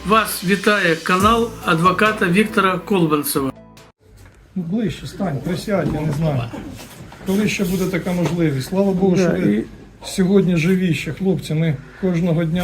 Вас вітає канал адвоката Віктора Колбанцева. Ближче стань, присядь, я не знаю. Коли ще буде така можливість? Слава Богу, що ви сьогодні живі ще, хлопці. Ми кожного дня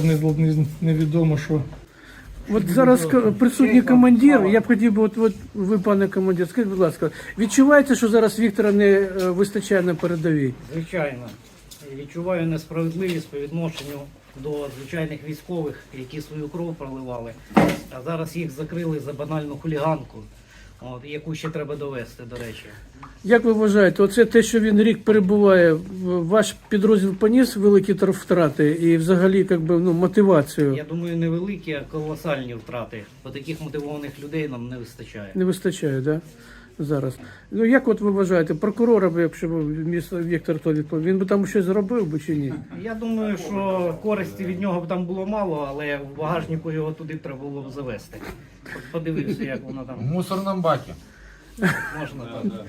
невідомо, що... От зараз присутній командир, я б хотів би, от ви, пане командир, скажіть, будь ласка, відчуваєте, що зараз Віктора не вистачає на передовій? Звичайно. Відчуваю несправедливість по відношенню до звичайних військових, які свою кров проливали, а зараз їх закрили за банальну хуліганку, яку ще треба довести, до речі. Як ви вважаєте, оце те, що він рік перебуває, ваш підрозділ поніс великі втрати і взагалі мотивацію? Я думаю, не великі, а колосальні втрати. Бо таких мотивованих людей нам не вистачає. Не вистачає, так? Да? Зараз. Ну як от ви вважаєте, прокурора б, якщо б Віктор то відповів, він би там щось зробив би чи ні? Я думаю, що користі від нього б там було мало, але в багажнику його туди треба було б завести. Подивився, як воно там. В мусорному бакі. Можна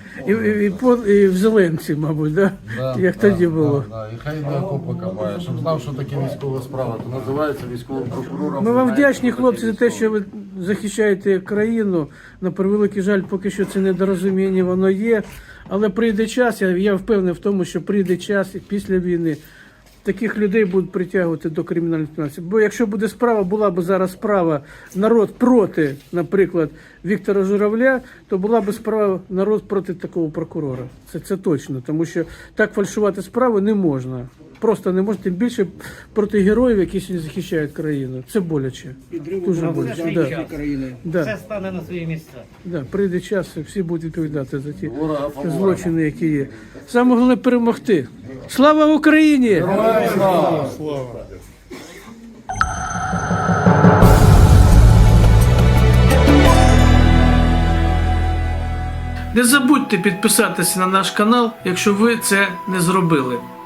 так. І в Зеленці, мабуть, да? Як тоді було. І хай не окопи копає, щоб знав, що таке військова справа, то називається військовим прокурором. Ми вам вдячні, хлопці, за те, що ви захищаєте країну. На превеликий жаль, поки що це недорозуміння, воно є. Але прийде час, я впевнений в тому, що прийде час після війни. Таких людей будуть притягувати до кримінальної відповідальності. Бо якщо буде справа, була б зараз справа народ проти, наприклад, Віктора Журавля, то була б справа народ проти такого прокурора. Це точно, тому що так фальшувати справи не можна. Просто не можна, тим більше проти героїв, які сьогодні захищають країну. Це боляче. Дуже боляче. Все стане на свої місця. Да, прийде час, всі будуть відповідати за ті злочини, які є. Саме головне перемогти. Слава Україні! Слава! Не забудьте підписатися на наш канал, якщо ви це не зробили.